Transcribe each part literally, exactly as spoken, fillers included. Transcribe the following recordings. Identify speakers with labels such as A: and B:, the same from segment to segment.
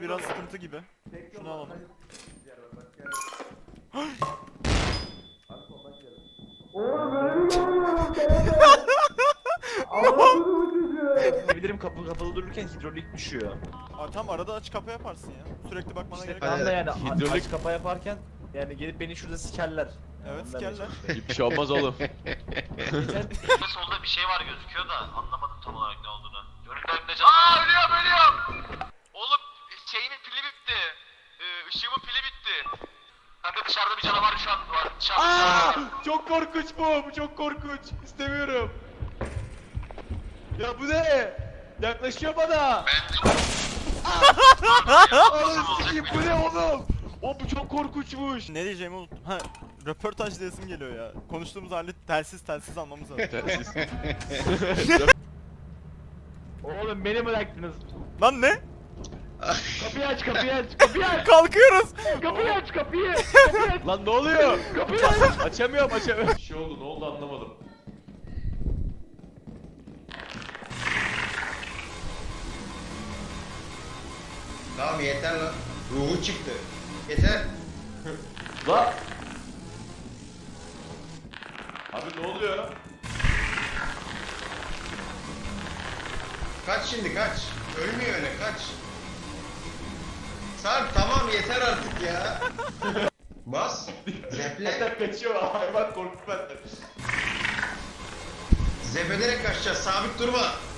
A: Biraz sıkıntı gibi. Şunu alalım.
B: Oğlum böyle mi görüyorum? Allah'ım bu çocuğu.
C: Bilirim kapı kapalı dururken hidrolik düşüyor.
A: Aa, tam arada aç kapa yaparsın ya. Sürekli bakmana gerek yok.
C: Tam da yani
D: hidrolik-
C: aç kapa yaparken yani gelip beni şurada sikerler.
A: Evet,
C: Ondan
A: sikerler.
C: çalışıyorum.
D: Bir şey olmaz oğlum.
C: Geçen
E: Solda bir şey var gözüküyor da anlamadım tam olarak ne olduğunu. Önümde önümde can. Aaa ölüyorum ölüyorum. Oğlum şeyimin pili bitti. Ee, ışığımın pili bitti. Kanka dışarıda bir canavar şu an var. Dışarıda bir
D: Aa,
E: canavar var.
D: çok korkunç bu. Bu çok korkunç. İstemiyorum. Ya bu ne? Yaklaşıyor bana. Oğlum sikeyim, bu ne oğlum? O bu çok korkunçmuş.
A: Ne diyeceğimi unuttum. Ha, röportaj diyesim geliyor ya. Konuştuğumuz halde telsiz telsiz almamız lazım.
C: oğlum beni bıraktınız.
A: Lan ne?
C: Kapıyı aç kapıyı aç kapıyı aç.
A: Kalkıyoruz.
C: Kapıyı aç kapıyı. Kapıyı aç.
D: Lan ne oluyor?
C: Kapıyı aç.
D: Açamıyorum açamıyorum. Bir şey oldu, ne oldu anlamadım.
F: Tamam yeter lan. Ruhu çıktı. Yeter.
D: Lan. Abi ne oluyor?
F: Kaç şimdi kaç. Ölmüyor öyle kaç. Sarp tamam yeter artık ya. Bas. Zeple.
D: Benden kaçıyor hayvan, korktu benden.
F: Zepederek kaçacağız. Sabit durma.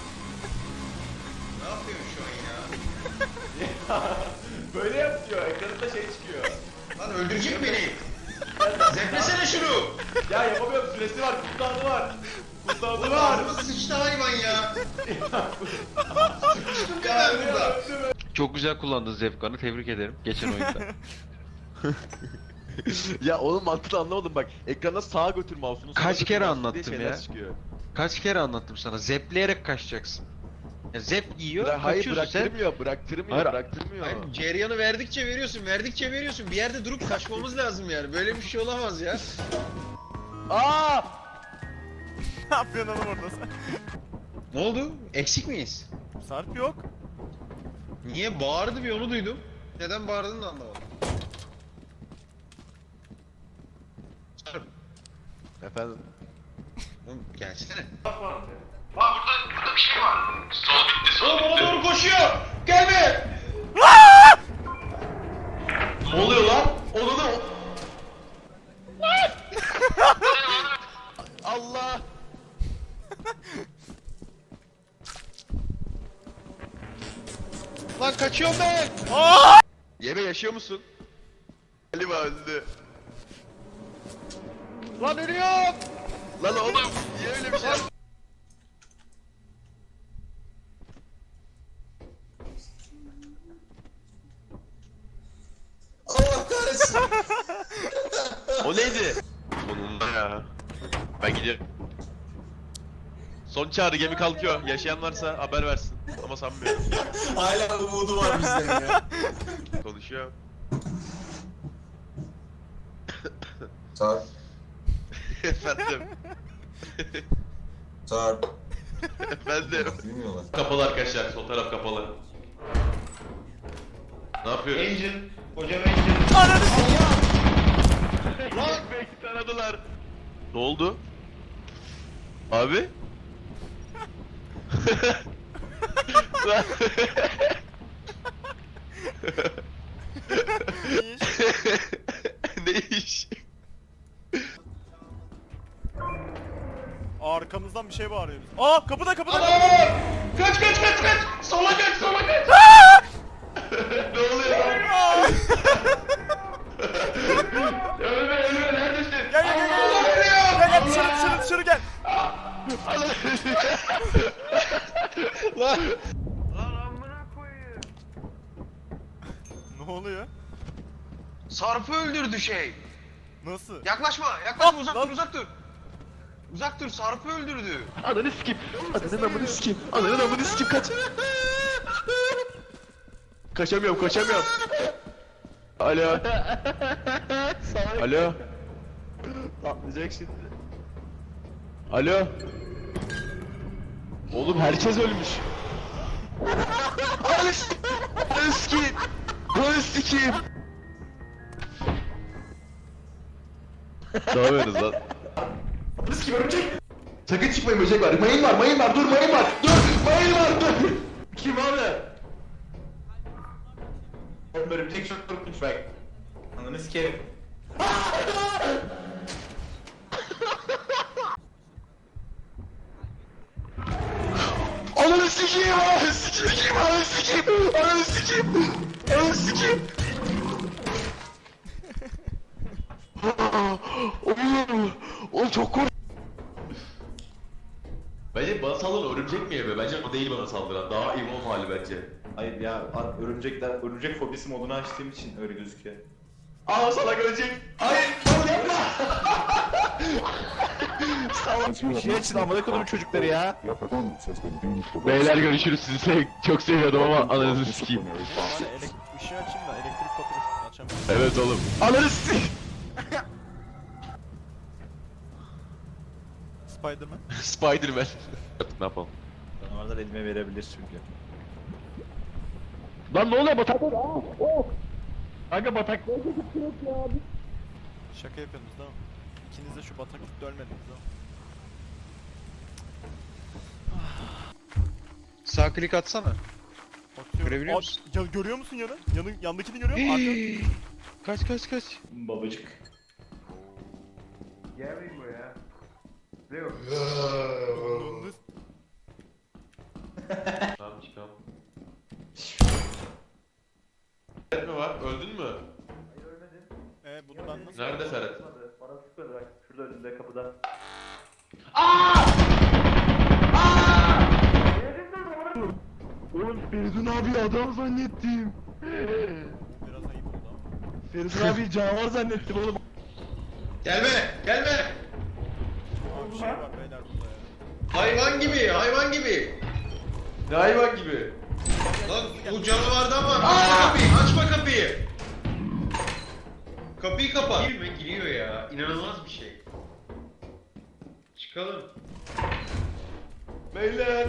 F: Ne yapıyorsun şu an ya?
D: Böyle yapıyor, ekranında şey çıkıyor.
F: Lan öldürecek beni. Zeplesene şunu.
D: Ya yapamıyorum, süresi var, cooldown'u var. Cooldown'u
F: Oğlum
D: var.
F: ağzıma sıçtı hayvan ya. Sıçtım kadar burada.
G: Çok güzel kullandın Zevkan'ı, tebrik ederim geçen oyunda.
D: Ya oğlum mantığını anlamadım bak. Ekrana sağa götür mouse'unu.
G: Kaç
D: sola
G: kere
D: götür mouse'unu
G: anlattım
D: diye şeyler
G: ya?
D: çıkıyor.
G: Kaç kere anlattım sana, zepleyerek kaçacaksın. Ya zep yiyor,
D: Bıra- hayır
G: kaçıyorsun sen.
D: bıraktırmıyor, bıraktırmıyor,
G: Hayır.
D: bıraktırmıyor.
F: Hayır, ceryanı verdikçe veriyorsun, verdikçe veriyorsun. Bir yerde durup kaçmamız lazım yani. Böyle bir şey olamaz ya.
D: Aa!
A: Ne yapıyorsun oğlum orada sen?
F: Ne oldu? Eksik miyiz?
A: Sarp yok.
F: Niye bağırdı bir onu duydum. Neden bağırdığını da anlamadım. Sarp,
D: Efendim.
F: oğlum gelsene.
E: Bak burada, burada bir şey var. Sol bitti sol
F: Oğlum ona
E: bitti.
F: doğru koşuyor. Gelme.
D: Ne oluyor lan? Onu da... Allah!
F: Lan kaçıyorum ben.
D: Yeme yaşıyor musun? Galiba öldü.
F: Lan ölüyorum.
D: Lan oğlum niye öyle bir şey yap-
F: Allah kahretsin.
D: O neydi? Sonunda ya. Ben gidiyorum. Son çağrı, gemi kalkıyor. Yaşayan varsa haber versin. Ama sanmıyorum.
F: Hala umudu var bizden ya.
D: Konuşuyor.
H: Sarp,
D: Efendim.
H: Sarp.
D: Efendim.
H: Bilmiyorlar.
D: Kapalı arkadaşlar. Sol taraf kapalı. Ne yapıyorsun?
F: Engine. Hocam engine.
A: Ananı s***.
D: Lan belki taradılar. Ne oldu? Abi? Lan. Ne iş?
A: Arkamızdan bir şey bağırıyor. biz. Aa, kapıda kapıda.
F: Kaç kaç kaç kaç. Sola kaç sola kaç.
D: Ne oluyor lan?
A: Aa!
D: Ölme ölme, neredesin?
A: Gel gel gel gel. Gel gel dışarı dışarı dışarı gel.
F: Lan.
A: Ne oluyor?
F: Sarp'ı öldürdü şey.
A: Nasıl?
F: Yaklaşma yaklaşma uzak
A: lan.
F: dur uzak dur. Uzak dur Sarp'ı öldürdü.
D: Ananı sikeyim. Ananın amını sikeyim. Ananın amını sikeyim, kaç. Kaçamıyorum, kaçamıyorum. Alo. Alo. Atlayacak şimdi. Alo. Oğlum herkes ölmüş. Ananı sikeyim. Ananı sikeyim. sikeyim. Ne yapıyorsunuz lan?
H: Riski örümcek. Sakın çıkmayın, böcek var. Mayın var, mayın var. Dur, mayın var. Dur, mayın var. Dur. Kim abi? Oğlum örümcek çok korkunç bak. Ananı sikerim. Ananı sikeyim, ananı sikeyim, ananı sikeyim, ananı sikeyim, ananı sikeyim. Oğlum, oğlum çok korkunç.
D: Bence bana saldıran örümcek mi yeme? Bence o değil bana saldıran. Daha evolve hali bence.
I: Hayır ya, örümcekler, örümcek fobisi modunu açtığım için öyle gözüküyor.
D: Aa salak örümcek.
H: Hayır, oğlum yapma.
I: Bir şey açın amına kodumun çocukları ya.
D: Beyler görüşürüz sizi sev çok seviyordum ama ananızı sikeyim.
A: Bari elek- ışığı açayım da elektrik faturasını açamam.
D: Evet oğlum.
I: Ananı sikeyim.
A: Spiderman.
D: Spiderman. Ne yapalım?
I: Canavarlar elime verebilir çünkü.
C: Lan ne oluyor batak? Kanka batak.
A: Şaka yapıyorsunuz değil mi? İkiniz de şu bataklıkta ölmediniz değil mi?
G: Sağ klik atsana.
A: Bakıyorum.
G: Görebiliyor
A: Aa,
G: musun?
A: Ya, görüyor musun yanı? Yanı yandakini görüyor musun? Arka.
G: Kaç kaç kaç.
I: Babacık.
B: Gelmeyin buraya. Ne yok?
A: Döndü.
D: Tamam çıkalım. Ferhat mi var? Öldün mü?
A: Ee bunu ben nasıl...
D: Nerede Ferhat?
I: Bana sıkmadı bak. Şurada önünde kapıda.
C: Oğlum Feridun abi adam zannettim.
A: Biraz ayıp oldu ama.
C: Feridun abi canavar zannettim oğlum.
F: Gelme, gelme.
A: Aa, bir şey var beyler burada ya.
F: Hayvan gibi, hayvan gibi.
D: Ne hayvan gibi?
F: Lan bu canavardan var. Açma kapıyı, açma kapıyı. Kapıyı kapa. Girme, giriyor ya. İnanılmaz bir şey. Çıkalım.
D: Beyler.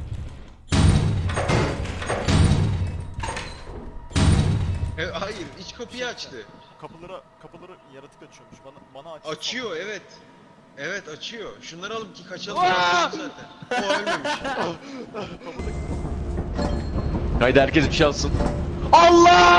F: E, hayır, iç kapıyı açtı.
A: Kapıları kapıları yaratık açıyormuş. Bana bana aç.
F: Açıyor, evet. Evet, açıyor. Şunları alıp ki kaçalım. Kaçalım zaten. O ölmemiş.
D: Haydi herkes bir şey alsın.
C: Allah!